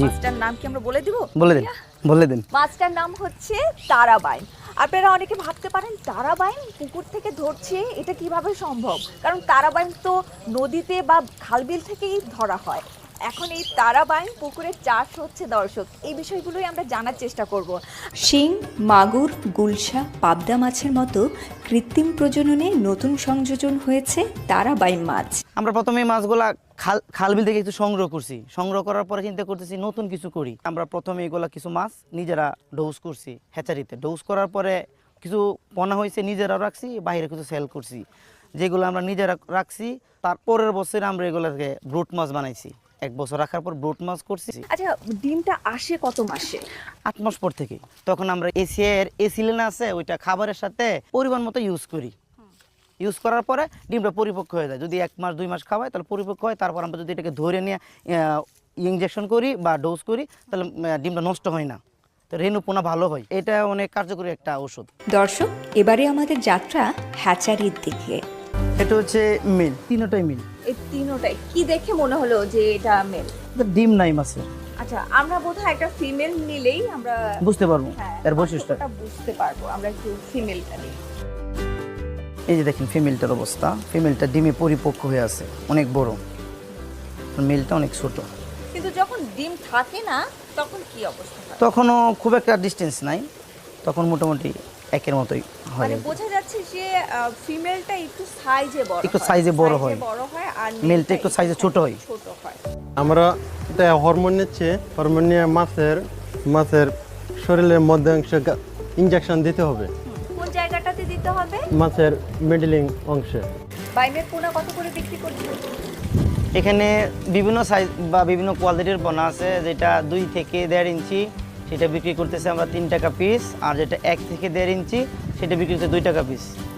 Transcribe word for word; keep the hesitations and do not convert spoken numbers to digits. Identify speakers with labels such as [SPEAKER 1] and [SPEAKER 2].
[SPEAKER 1] মাছটার নাম কি আমরা বলে দিব?
[SPEAKER 2] বলে দিন বলে দিন
[SPEAKER 1] মাছটার নাম হচ্ছে তারাবাইন। আপনারা অনেকে ভাবতে পারেন তারাবাইন পুকুর থেকে ধরছে, এটা কিভাবে সম্ভব? কারণ তারাবাইন তো নদীতে বা খালবিল থেকেই ধরা হয়। এখন এই তারাবাইন পুকুরের চাষ হচ্ছে দর্শক, এই বিষয়গুলোই আমরা জানার চেষ্টা করব।
[SPEAKER 3] শিং, মাগুর, গুলশা, পাবদা মাছের মতো কৃত্রিম প্রজননে নতুন সংযোজন হয়েছে তারাবাইন মাছ।
[SPEAKER 2] আমরা প্রথমে এই মাছগুলা খাল খালবিল থেকে একটু সংগ্রহ করছি। সংগ্রহ করার পরে চিন্তা করতেছি নতুন কিছু করি। আমরা প্রথমে এগুলা কিছু মাছ নিজেরা ডোজ করছি হ্যাচারিতে। ডোজ করার পরে কিছু পোনা হয়েছে, নিজেরাও রাখছি, বাইরে কিছু সেল করছি। যেগুলো আমরা নিজেরা রাখছি, তার পরের বছর আমরা এগুলোকে ব্রুট মাছ বানাইছি। এক বছর রাখার পর ব্রুট মাছ করছি।
[SPEAKER 1] আচ্ছা, ডিমটা আসে কত মাসে?
[SPEAKER 2] আট মাস পর থেকে। তখন আমরা এসিএর এসিলেন আছে ওইটা খাবারের সাথে পরিমাণ মতো ইউজ করি। ইউজ করার পরে ডিমটা পরিপক্ক হয়ে যায়। যদি এক মাস দুই মাস খাওয়াই তাহলে পরিপক্ক হয়। তারপর আমরা যদি এটাকে ধরে নিয়ে ইঞ্জেকশন করি বা ডোজ করি তাহলে ডিমটা নষ্ট হয় না, তো রেণুপোনা ভালো হয়। এটা অনেক কার্যকরী একটা ওষুধ।
[SPEAKER 3] দর্শক, এবারে আমাদের যাত্রা হ্যাচারির দিকে।
[SPEAKER 2] এটা হচ্ছে মিল, তিনটাই মিল।
[SPEAKER 1] এই তিনটাই কি দেখে মনে হলো যে এটা মেল?
[SPEAKER 2] ডিম নাই মাছের।
[SPEAKER 1] আচ্ছা, আমরা বোধহয় একটা ফিমেল নিলেই আমরা
[SPEAKER 2] বুঝতে পারবো
[SPEAKER 1] হ্যাঁ,
[SPEAKER 2] এর বৈশিষ্ট্য
[SPEAKER 1] বুঝতে পারবো। আমরা একটু ফিমেলটা নিই।
[SPEAKER 2] এই যে দেখেন ফিমেলটার অবস্থা। ফিমেলটা ডিমে পরিপক্ক হয়ে আছে, অনেক বড়। মেলটা অনেক ছোট।
[SPEAKER 1] কিন্তু যখন ডিম থাকে না তখন কি অবস্থা হয়?
[SPEAKER 2] তখনও খুব একটা ডিস্টেন্স নাই, তখন মোটামুটি একের মতোই হয়।
[SPEAKER 1] মানে বোঝা যাচ্ছে যে ফিমেলটা একটু সাইজে বড়,
[SPEAKER 2] একটু সাইজে বড় হয়,
[SPEAKER 1] বড় হয়, আর
[SPEAKER 2] মেলটা একটু সাইজে ছোট হয়।
[SPEAKER 1] ছোট হয়।
[SPEAKER 4] আমরা এটা হরমোন নিচ্ছে। হরমোন নিয়ে মাছের মাছের শরীরের মধ্যে অংশে ইনজেকশন দিতে হবে।
[SPEAKER 1] কোন জায়গাটাতে দিতে হবে?
[SPEAKER 4] মাছের মিডলিং অংশে।
[SPEAKER 1] বাইমের পোনা কত করে বিক্রি করছো?
[SPEAKER 2] এখানে বিভিন্ন সাইজ বা বিভিন্ন কোয়ালিটির পোনা আছে। যেটা দুই থেকে দেড় ইঞ্চি সেটা বিক্রি করতেছে আমরা তিন টাকা পিস, আর যেটা এক থেকে দেড় ইঞ্চি সেটা বিক্রি করতে দুই টাকা পিস।